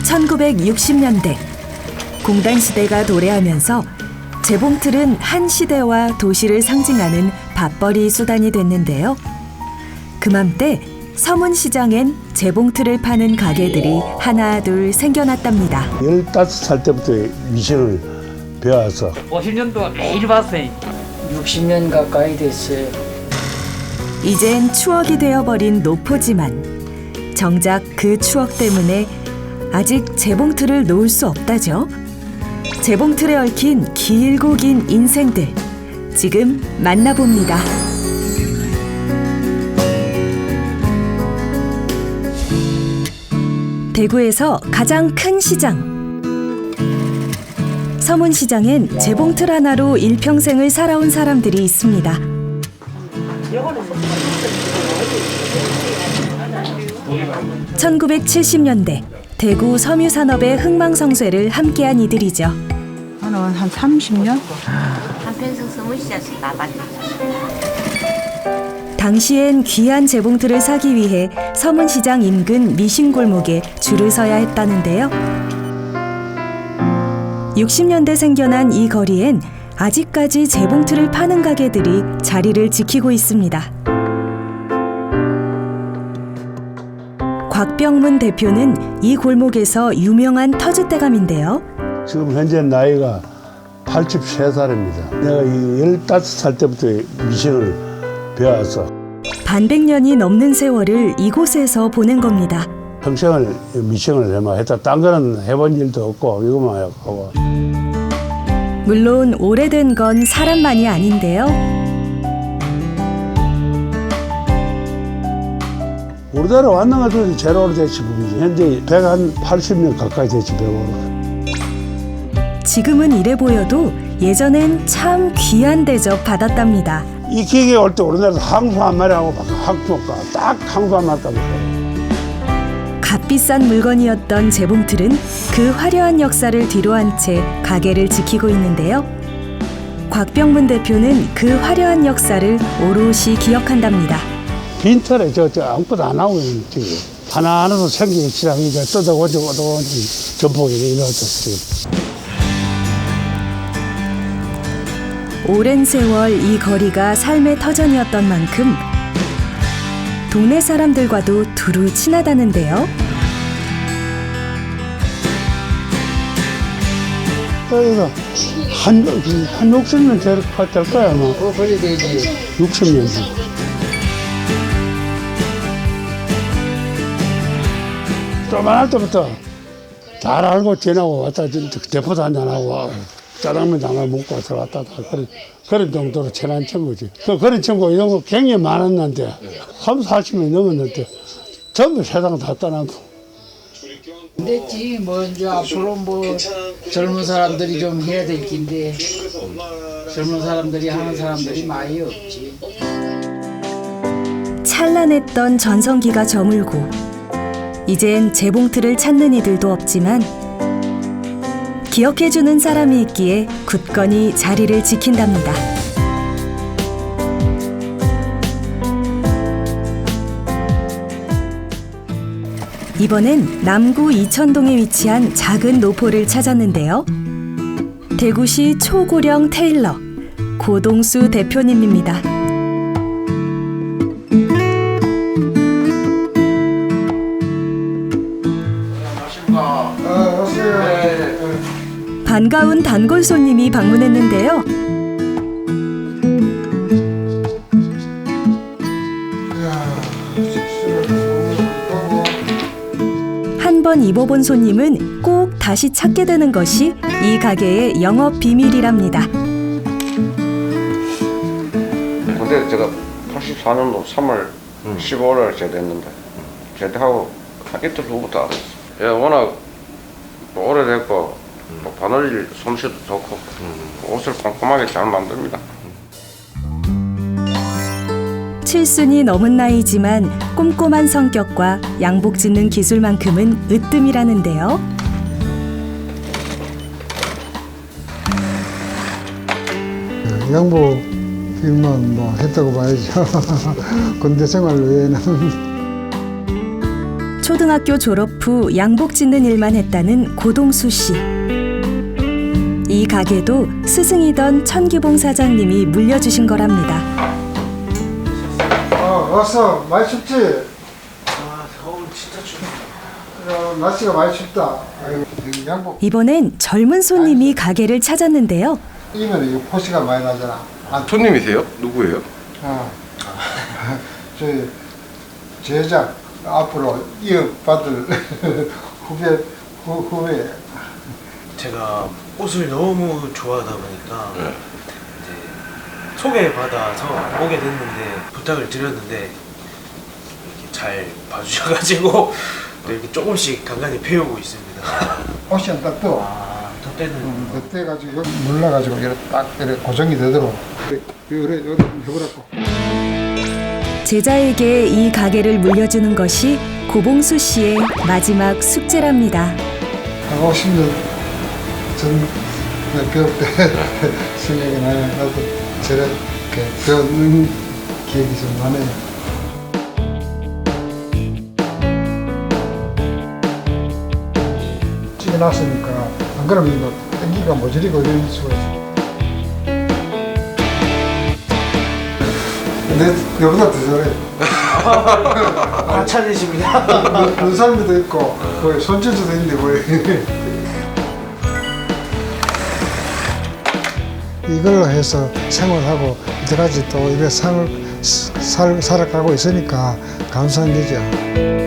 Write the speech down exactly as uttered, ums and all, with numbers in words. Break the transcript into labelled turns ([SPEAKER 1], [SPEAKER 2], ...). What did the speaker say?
[SPEAKER 1] 천구백육십 년대 공단 시대가 도래하면서 재봉틀은 한 시대와 도시를 상징하는 밥벌이 수단이 됐는데요. 그맘때 서문시장엔 재봉틀을 파는 가게들이 하나 둘 생겨났답니다.
[SPEAKER 2] 열다섯 살 때부터 미션을 배워서
[SPEAKER 3] 오십 년 동안 매일 봤어요.
[SPEAKER 4] 육십 년 가까이 됐어요.
[SPEAKER 1] 이젠 추억이 되어버린 노포지만 정작 그 추억 때문에 아직 재봉틀을 놓을 수 없다죠. 재봉틀에 얽힌 길고 긴 인생들 지금 만나봅니다. 대구에서 가장 큰 시장 서문시장엔 재봉틀 하나로 일평생을 살아온 사람들이 있습니다. 천구백칠십 년대 대구 섬유산업의 흥망성쇠를 함께한 이들이죠.
[SPEAKER 5] 한, 한 삼십 년?
[SPEAKER 6] 한평생 서문시장에서 나봤죠.
[SPEAKER 1] 당시엔 귀한 재봉틀을 사기 위해 서문시장 인근 미신골목에 줄을 서야 했다는데요. 육십 년대 생겨난 이 거리엔 아직까지 재봉틀을 파는 가게들이 자리를 지키고 있습니다. 곽병문 대표는 이 골목에서 유명한 터줏대감인데요.
[SPEAKER 2] 지금 현재 나이가 팔십세 살입니다. 내가 이 열다섯 살 때부터 미션을 배워서
[SPEAKER 1] 반백년이 넘는 세월을 이곳에서 보낸 겁니다.
[SPEAKER 2] 평생을 미션을 해만 했다. 딴 거는 해본 일도 없고 이것만 하고.
[SPEAKER 1] 물론 오래된 건 사람만이 아닌데요.
[SPEAKER 2] 우리나라 왔는 것도 제일 오래됐지 분이지. 현재 백팔십 년 가까이 됐지 백오십.
[SPEAKER 1] 지금은 이래 보여도 예전엔 참 귀한 대접 받았답니다.
[SPEAKER 2] 이 기계에 올 때 우리나라에서 항소 한 마리 하고 항소가 딱 항소 한 마리 따고.
[SPEAKER 1] 값비싼 물건이었던 재봉틀은 그 화려한 역사를 뒤로한 채 가게를 지키고 있는데요. 곽병문 대표는 그 화려한 역사를 오롯이 기억한답니다.
[SPEAKER 2] 빈털에 저, 저 아무것도 안 하고 있지. 하나하나도 생기기 시작하니까 뜯어오고 또 전복이 이렇듯이.
[SPEAKER 1] 오랜 세월 이 거리가 삶의 터전이었던 만큼 동네 사람들과도 두루 친하다는데요.
[SPEAKER 2] 여기가 한, 한 육십 년 될 거야, 아마.
[SPEAKER 4] 어, 그래 되지.
[SPEAKER 2] 육십 년 전. 조만할 때부터 잘 알고 지나고 왔다, 대포도 한잔하고, 짜장면 하나 먹고 들어갔다, 그런, 그런 정도로 친한 친구지. 그, 그런 친구 이런 거 굉장히 많았는데, 삼, 사십 년 넘었는데, 전부 세상 다 떠나고.
[SPEAKER 4] 됐지. 뭐 이제 앞으로 뭐 젊은 사람들이 좀 해야 될 긴데 젊은 사람들이 하는 사람들이 많이 없지.
[SPEAKER 1] 찬란했던 전성기가 저물고 이젠 재봉틀을 찾는 이들도 없지만 기억해주는 사람이 있기에 굳건히 자리를 지킨답니다. 이번엔 남구 이천동에 위치한 작은 노포를 찾았는데요. 대구시 초고령 테일러 고동수 대표님입니다. 반가운 단골 손님이 방문했는데요. 한 번 입어본 손님은 꼭 다시 찾게 되는 것이 이 가게의 영업 비밀이랍니다.
[SPEAKER 7] 근데 제가 팔십사 년도 삼월 십오일에 제대했는데 제대하고 이틀 후부터 알았어요. 예, 워낙 뭐 오래됐고 뭐 바늘 솜씨도 좋고 옷을 꼼꼼하게 잘 만듭니다.
[SPEAKER 1] 칠순이 넘은 나이지만 꼼꼼한 성격과 양복 짓는 기술만큼은 으뜸이라는데요.
[SPEAKER 8] 양복 일만 뭐 했다고 봐야죠. 군대 생활 외에는.
[SPEAKER 1] 초등학교 졸업 후 양복 짓는 일만 했다는 고동수 씨. 이 가게도 스승이던 천기봉 사장님이 물려주신 거랍니다.
[SPEAKER 8] 아, 왔어. 많이 춥지? 아, 겨울 진짜 춥다. 날씨가 많이 춥다. 아이고, 양복
[SPEAKER 1] 이번엔 젊은 손님이 가게를 찾았는데요.
[SPEAKER 8] 입으면 이거 포시가 많이 나잖아. 아,
[SPEAKER 7] 손님이세요? 누구예요?
[SPEAKER 8] 아, 저희 제작 앞으로 이어받을 후배 후, 후배.
[SPEAKER 9] 제가 옷을 너무 좋아하다 보니까
[SPEAKER 7] 네.
[SPEAKER 9] 이제 소개받아서 오게 됐는데 부탁을 드렸는데 이렇게 잘 봐주셔가지고 또 이렇게 조금씩 간간히 배우고 있습니다.
[SPEAKER 8] 옷이 안 딱 떠.
[SPEAKER 9] 아, 저 때는
[SPEAKER 8] 그때 가지고 여기 눌러가지고 이렇게 딱 이렇게 고정이 되도록 그래 그래 그래 해보라고.
[SPEAKER 1] 제자에게 이 가게를 물려주는 것이 고봉수 씨의 마지막 숙제랍니다.
[SPEAKER 8] 한 오십 년 전 배울 때 생각이 나요. 나도 저렇게 배우는 기억이 좀 나네요. 찌겨놨으니까 안 그러면 이거 땡기가 모조리고 이럴 수가 있어. 내 너보다 더 잘해.
[SPEAKER 9] 과찬이십니다.
[SPEAKER 8] 눈살미도 있고 거의 손재주도 있는데 거의. 이걸로 해서 생활하고 이때까지 또 이래 살, 살, 살아가고 있으니까 감사한 거죠.